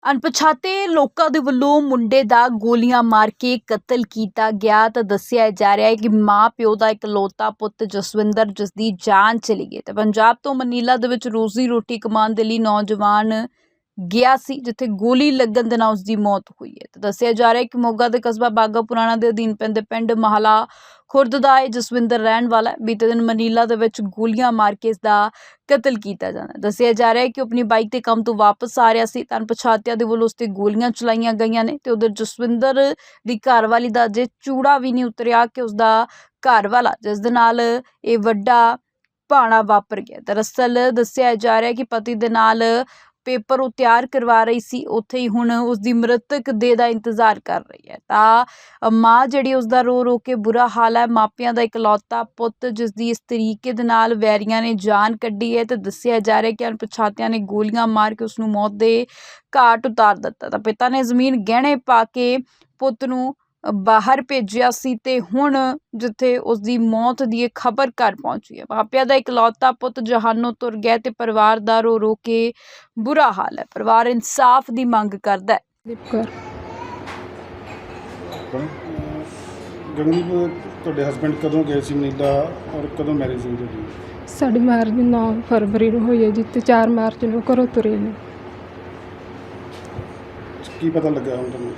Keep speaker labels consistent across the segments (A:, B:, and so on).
A: ਅਣਪਛਾਤੇ ਲੋਕਾਂ ਦੇ ਵੱਲੋਂ ਮੁੰਡੇ ਦਾ ਗੋਲੀਆਂ ਮਾਰ ਕੇ ਕਤਲ ਕੀਤਾ ਗਿਆ ਤਾਂ ਦੱਸਿਆ ਜਾ ਰਿਹਾ ਹੈ ਕਿ ਮਾਂ ਪਿਓ ਦਾ ਇਕਲੌਤਾ ਪੁੱਤ ਜਸਵਿੰਦਰ, ਜਿਸ ਦੀ ਜਾਨ ਚਲੀ ਗਈ ਤੇ ਪੰਜਾਬ ਤੋਂ ਮਨੀਲਾ ਦੇ ਵਿੱਚ ਰੋਜ਼ੀ ਰੋਟੀ ਕਮਾਉਣ ਦੇ ਲਈ ਨੌਜਵਾਨ ਗਿਆ ਸੀ, ਜਿੱਥੇ ਗੋਲੀ ਲੱਗਣ ਦੇ ਨਾਲ ਉਸ ਦੀ ਮੌਤ ਹੋਈ ਹੈ। ਤਾਂ ਦੱਸਿਆ ਜਾ ਰਿਹਾ ਹੈ ਕਿ ਮੋਗਾ ਦੇ ਕਸਬਾ ਬਾਗਾ ਪੁਰਾਣਾ ਦੇ ਅਧੀਨ ਪੈਂਦੇ ਪਿੰਡ ਮਹਲਾ ਖੁਰਦ ਦਾ ਇਹ ਜਸਵਿੰਦਰ ਰਹਿਣ ਵਾਲਾ ਹੈ। ਬੀਤੇ ਦਿਨ ਮਨੀਲਾ ਦੇ ਵਿੱਚ ਗੋਲੀਆਂ ਮਾਰ ਕੇ ਇਸ ਦਾ ਕਤਲ ਕੀਤਾ ਜਾਂਦਾ। ਦੱਸਿਆ ਜਾ ਰਿਹਾ ਹੈ ਕਿ ਆਪਣੀ ਬਾਈਕ ਤੇ ਕੰਮ ਤੋਂ ਵਾਪਸ ਆ ਰਿਹਾ ਸੀ ਤਾਂ ਅਣਪਛਾਤਿਆਂ ਦੇ ਵੱਲੋਂ ਉਸ ਤੇ ਗੋਲੀਆਂ ਚਲਾਈਆਂ ਗਈਆਂ ਨੇ ਤੇ ਉਧਰ ਜਸਵਿੰਦਰ ਦੀ ਘਰਵਾਲੀ ਦਾ ਅਜੇ ਚੂੜਾ ਵੀ ਨਹੀਂ ਉਤਰਿਆ ਕਿ ਉਸ ਦਾ ਘਰਵਾਲਾ, ਜਿਸ ਦੇ ਨਾਲ ਇਹ ਵੱਡਾ ਭਾਣਾ ਵਾਪਰ ਗਿਆ। ਦਰਅਸਲ ਦੱਸਿਆ ਜਾ ਰਿਹਾ ਹੈ ਕਿ ਪਤੀ ਦੇ ਨਾਲ ਪੇਪਰ ਉਹ ਤਿਆਰ ਕਰਵਾ ਰਹੀ ਸੀ, ਉੱਥੇ ਹੀ ਹੁਣ ਉਸ ਦੀ ਮ੍ਰਿਤਕ ਦੇਹ ਦਾ ਇੰਤਜ਼ਾਰ ਕਰ ਰਹੀ ਹੈ। ਤਾਂ ਮਾਂ ਜਿਹੜੀ ਉਸ ਦਾ ਰੋ ਰੋ ਕੇ ਬੁਰਾ ਹਾਲ ਹੈ। ਮਾਪਿਆਂ ਦਾ ਇਕਲੌਤਾ ਪੁੱਤ, ਜਿਸ ਦੀ ਇਸ ਤਰੀਕੇ ਦੇ ਨਾਲ ਵੈਰੀਆਂ ਨੇ ਜਾਨ ਕੱਢੀ ਹੈ ਤੇ ਦੱਸਿਆ ਜਾ ਰਿਹਾ ਕਿ ਅਣਪਛਾਤਿਆਂ ਨੇ ਗੋਲੀਆਂ ਮਾਰ ਕੇ ਉਸ ਨੂੰ ਮੌਤ ਦੇ ਘਾਟ ਉਤਾਰ ਦਿੱਤਾ। ਤਾਂ ਪਿਤਾ ਨੇ ਜ਼ਮੀਨ ਗਹਿਣੇ ਪਾ ਕੇ ਪੁੱਤ ਨੂੰ ਬਾਹਰ ਭੇਜਿਆ ਸੀ ਤੇ ਹੁਣ ਜਿੱਥੇ ਉਸ ਦੀ ਮੌਤ ਦੀ ਇਹ ਖਬਰ ਘਰ ਪਹੁੰਚੀ ਹੈ, ਮਾਪਿਆਂ ਦਾ ਇਕਲੌਤਾ ਪੁੱਤ ਜਹਾਨੋਂ ਤੁਰ ਗਿਆ ਤੇ ਪਰਿਵਾਰ ਦਾ ਰੋ ਰੋ ਕੇ ਬੁਰਾ ਹਾਲ ਹੈ। ਪਰਿਵਾਰ ਇਨਸਾਫ ਦੀ ਮੰਗ ਕਰਦਾ ਹੈ।
B: ਗਗਨਦੀਪ, ਤੁਹਾਡੇ ਹਸਬੈਂਡ ਕਦੋਂ ਗਏ ਸੀ ਮਨੀਲਾ ਔਰ ਕਦੋਂ ਮੈਰਿਜ ਹੋਈ ਤੁਹਾਡੀ?
C: ਸਾਡੀ ਮੈਰਿਜ 9 ਫਰਵਰੀ ਨੂੰ ਹੋਈ ਹੈ ਜੀ ਤੇ 4 ਮਾਰਚ ਨੂੰ ਘਰੋਂ ਤੁਰੇ ਨੇ।
B: ਕੀ ਪਤਾ ਲੱਗਾ ਹੁਣ ਤੁਹਾਨੂੰ?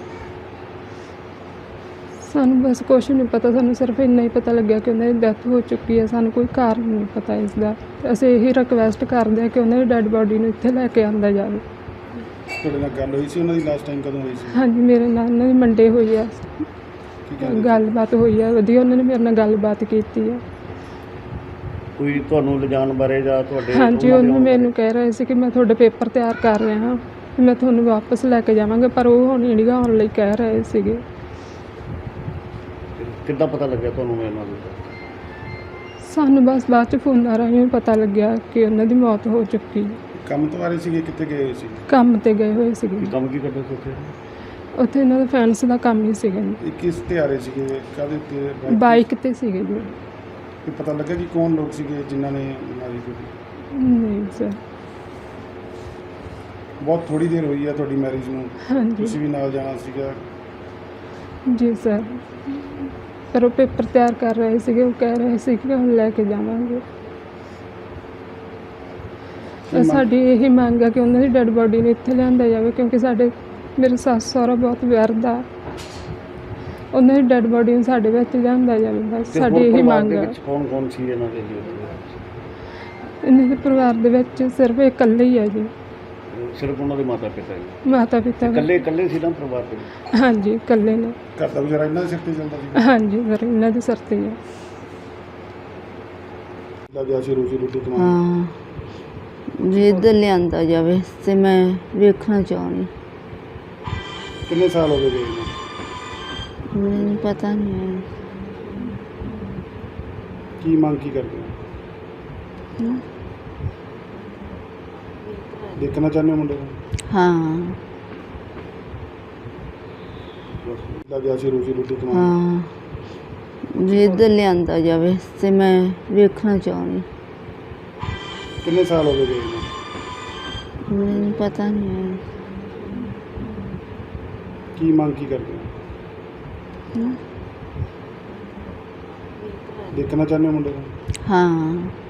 C: ਸਾਨੂੰ ਬਸ ਕੁਛ ਨਹੀਂ ਪਤਾ, ਸਾਨੂੰ ਸਿਰਫ ਇੰਨਾ ਹੀ ਪਤਾ ਲੱਗਿਆ ਕਿ ਉਹਨਾਂ ਦੀ ਡੈਥ ਹੋ ਚੁੱਕੀ ਹੈ। ਸਾਨੂੰ ਕੋਈ ਕਾਰਨ ਨਹੀਂ ਪਤਾ ਇਸ ਦਾ। ਅਸੀਂ ਇਹੀ ਰਿਕਵੈਸਟ ਕਰਦੇ ਹਾਂ ਕਿ ਉਹਨਾਂ ਦੀ ਡੈੱਡ ਬਾਡੀ ਨੂੰ ਇੱਥੇ ਲੈ ਕੇ ਆਂਦਾ ਜਾਵੇ।
B: ਤੁਹਾਡੇ ਨਾਲ ਗੱਲ ਹੋਈ ਸੀ ਉਹਨਾਂ ਦੀ ਲਾਸਟ ਟਾਈਮ ਕਦੋਂ ਹੋਈ ਸੀ?
C: ਹਾਂਜੀ, ਮੇਰੇ ਨਾਲ ਉਹਨਾਂ ਦੀ ਮੰਡੇ ਹੋਈ ਆ,
B: ਕੀ ਕਹਿੰਦੇ ਸੀ?
C: ਗੱਲਬਾਤ ਹੋਈ ਆ ਵਧੀਆ, ਉਹਨਾਂ ਨੇ ਮੇਰੇ ਨਾਲ ਗੱਲਬਾਤ ਕੀਤੀ ਆ।
D: ਕੋਈ ਤੁਹਾਨੂੰ ਲਿਜਾਣ ਬਾਰੇ ਜਾਂ ਤੁਹਾਡੇ?
C: ਹਾਂਜੀ, ਉਹਨੂੰ ਮੈਨੂੰ ਕਹਿ ਰਹੇ ਸੀ ਕਿ ਮੈਂ ਤੁਹਾਡੇ ਪੇਪਰ ਤਿਆਰ ਕਰ ਰਿਹਾ ਹਾਂ, ਮੈਂ ਤੁਹਾਨੂੰ ਵਾਪਸ ਲੈ ਕੇ ਜਾਵਾਂਗਾ, ਪਰ ਉਹ ਹੁਣ ਇੰਡੀਆ ਆਉਣ ਲਈ ਕਹਿ ਰਹੇ ਸੀਗੇ।
D: ਕਿੱਦਾਂ ਪਤਾ ਲੱਗਿਆ ਤੁਹਾਨੂੰ ਇਹਨਾਂ ਦਾ?
C: ਸਾਨੂੰ ਬਸ ਬਾਅਦ 'ਚ ਫੋਨਾਂ ਰਾਹੀਂ ਪਤਾ ਲੱਗਿਆ ਕਿ ਉਹਨਾਂ ਦੀ ਮੌਤ ਹੋ ਚੁੱਕੀ।
B: ਕੰਮ ਤੋਂ ਆ ਰਹੇ ਸੀਗੇ, ਕਿੱਥੇ ਗਏ ਹੋਏ ਸੀ?
C: ਕੰਮ 'ਤੇ ਗਏ ਹੋਏ ਸੀਗੇ।
D: ਕੰਮ ਕੀ ਕਰਦੇ ਸੀ ਉੱਥੇ?
C: ਉੱਥੇ ਇਹਨਾਂ ਦਾ ਫੈਂਸ ਦਾ ਕੰਮ ਹੀ ਸੀਗਾ।
B: ਇਹ ਕਿਸ ਤੇ ਆ ਰਹੇ ਸੀਗੇ, ਕਾਹਦੇ ਤੇ?
C: ਬਾਈਕ 'ਤੇ ਸੀਗੇ ਜੀ।
B: ਇਹ ਪਤਾ ਲੱਗਾ ਕਿ ਕੌਣ ਲੋਕ ਸੀਗੇ ਜਿਨ੍ਹਾਂ ਨੇ ਮਾਰੀ ਗੋਲੀ?
C: ਨਹੀਂ ਸਰ।
B: ਬਹੁਤ ਥੋੜੀ ਦੇਰ ਹੋਈ ਹੈ ਤੁਹਾਡੀ ਮੈਰਿਜ ਨੂੰ,
C: ਹਾਂਜੀ
B: ਤੁਸੀਂ ਵੀ ਨਾਲ ਜਾਣਾ ਸੀਗਾ।
C: ਜੀ ਸਰ, ਪਰ ਉਹ ਪੇਪਰ ਤਿਆਰ ਕਰ ਰਹੇ ਸੀਗੇ, ਉਹ ਕਹਿ ਰਹੇ ਸੀ ਕਿ ਹੁਣ ਲੈ ਕੇ ਜਾਵਾਂਗੇ। ਸਾਡੀ ਇਹੀ ਮੰਗ ਹੈ ਕਿ ਉਹਨਾਂ ਦੀ ਡੈੱਡ ਬਾਡੀ ਨੂੰ ਇੱਥੇ ਲਿਆਂਦਾ ਜਾਵੇ, ਕਿਉਂਕਿ ਮੇਰੇ ਸੱਸ ਸਹੁਰਾ ਬਹੁਤ ਵਿਅਰਦ ਆ। ਉਹਨਾਂ ਦੀ ਡੈੱਡ ਬਾਡੀ ਨੂੰ ਸਾਡੇ ਵਿੱਚ ਲਿਆਂਦਾ ਜਾਵੇ, ਬਸ ਸਾਡੀ ਇਹੀ ਮੰਗ ਹੈ।
D: ਕੌਣ ਕੌਣ ਸੀ ਇਹਨਾਂ ਦੇ?
C: ਇਹਨਾਂ ਦੇ ਪਰਿਵਾਰ ਦੇ ਵਿੱਚ ਸਿਰਫ ਇਕੱਲੇ ਹੀ ਹੈ ਜੀ।
D: ਸਿਰਫ ਉਹਨਾਂ ਦੇ ਮਾਤਾ ਪਿਤਾ ਜੀ?
C: ਮਾਤਾ ਪਿਤਾ
D: ਇਕੱਲੇ ਸੀ ਨਾ ਪਰਿਵਾਰ ਦੇ?
C: ਹਾਂਜੀ, ਇਕੱਲੇ ਨੇ।
B: ਘਰ ਦਾ ਗੁਜ਼ਾਰਾ ਇਹਨਾਂ ਦੇ ਸਿਰ ਤੇ ਚੱਲਦਾ ਸੀ?
C: ਹਾਂਜੀ ਸਰ, ਇਹਨਾਂ ਦੇ ਸਿਰ ਤੇ ਹੀ ਹੈ।
B: ਲੱਗਿਆ ਸੀ ਰੋਜ਼ੀ ਰੋਟੀ ਕਮਾਉਣ।
E: ਹਾਂ ਜੀ, ਇੱਧਰ ਲਿਆਂਦਾ ਜਾਵੇ ਤੇ ਮੈਂ ਵੇਖਣਾ ਚਾਹੁੰਦੀ।
B: ਕਿੰਨੇ ਸਾਲ ਹੋ ਗਏ ਗਏ ਨੂੰ?
E: ਮੈਨੂੰ ਪਤਾ ਨਹੀਂ ਹੈ।
B: ਕੀ ਮੰਗ ਕੀ ਕਰਦੇ ਹੋ? ਦੇਖਣਾ ਚਾਹੁੰਦੇ ਹੋ ਮੁੰਡੇ ਨੂੰ?
E: ਹਾਂ
B: ਲੱਗਿਆ ਸੀ ਰੋਜ਼ੀ ਰੋਟੀ ਕਮਾਉਣ।
E: ਹਾਂ ਜੀ, ਇੱਧਰ ਲਿਆਂਦਾ ਜਾਵੇ ਤੇ ਮੈਂ ਵੇਖਣਾ ਚਾਹੁੰਦੀ।
B: ਕਿੰਨੇ ਸਾਲ ਹੋ ਗਏ ਗਏ ਨੂੰ?
E: ਮੈਨੂੰ ਪਤਾ ਨਹੀਂ ਹੈ।
B: ਕੀ ਮੰਗ ਕੀ ਕਰਦੇ ਹੋ? ਦੇਖਣਾ ਚਾਹੁੰਦੇ ਹੋ ਮੁੰਡੇ ਨੂੰ?
E: ਹਾਂ